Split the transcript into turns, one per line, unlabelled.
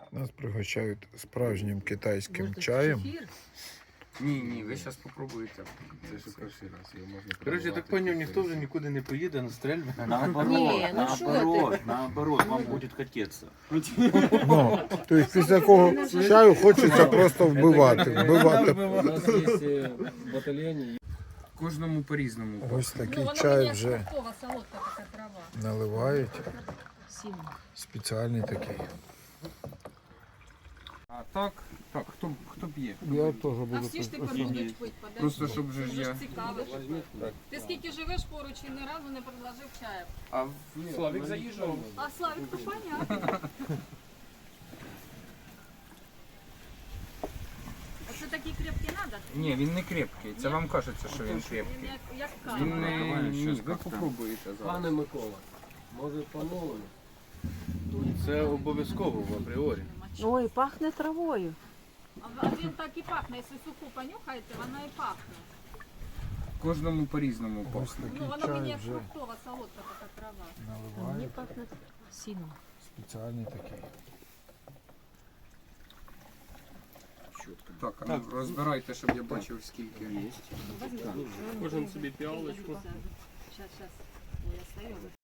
Нас пригощають справжнім китайським чаєм.
Ні, ви зараз спробуєте.
Це ж перший раз, його можна
Коротше, я так зрозумів, ніхто вже нікуди не поїде на стрельби.
Наоборот, вам будет хотеться.
Ну, тобто після такого чаю хочеться просто вбивати.
У нас є в батальйоні.
Кожному по-різному.
Ось такий чай вже
солодка така трава.
наливають. Спеціальний такий.
А так, хто п'є?
Я теж буду.
А всі ж тепер будуть пити, подожди.
Просто щоб вже ж
Вже ж
я.
цікаво. Ти скільки живеш поруч і ні разу не предложив чаю.
А Славік заїжджав.
А Славік, то понятно. А це такі крепкі треба?
Ні, він не крепкий. Це вам кажеться, що він
Він
крепкий.
як
Він
камера.
не... Ні, ви попробуєте зараз.
Пане Микола, може по-новому?
Це обов'язково в апріорі.
Ой, пахне травою.
А він так і пахне. Якщо суху понюхаєте, вона і пахне.
Кожному по-різному
Ось
пахне.
Ну,
такий
вона мені
чай
як
вже
фруктова солодка така трава.
Мені
наливають.
пахне сіном.
Спеціальний такий.
Так, а ну розбирайте, щоб я бачив скільки.
Кожен собі піалочку.
Сейчас. Ой, я стою.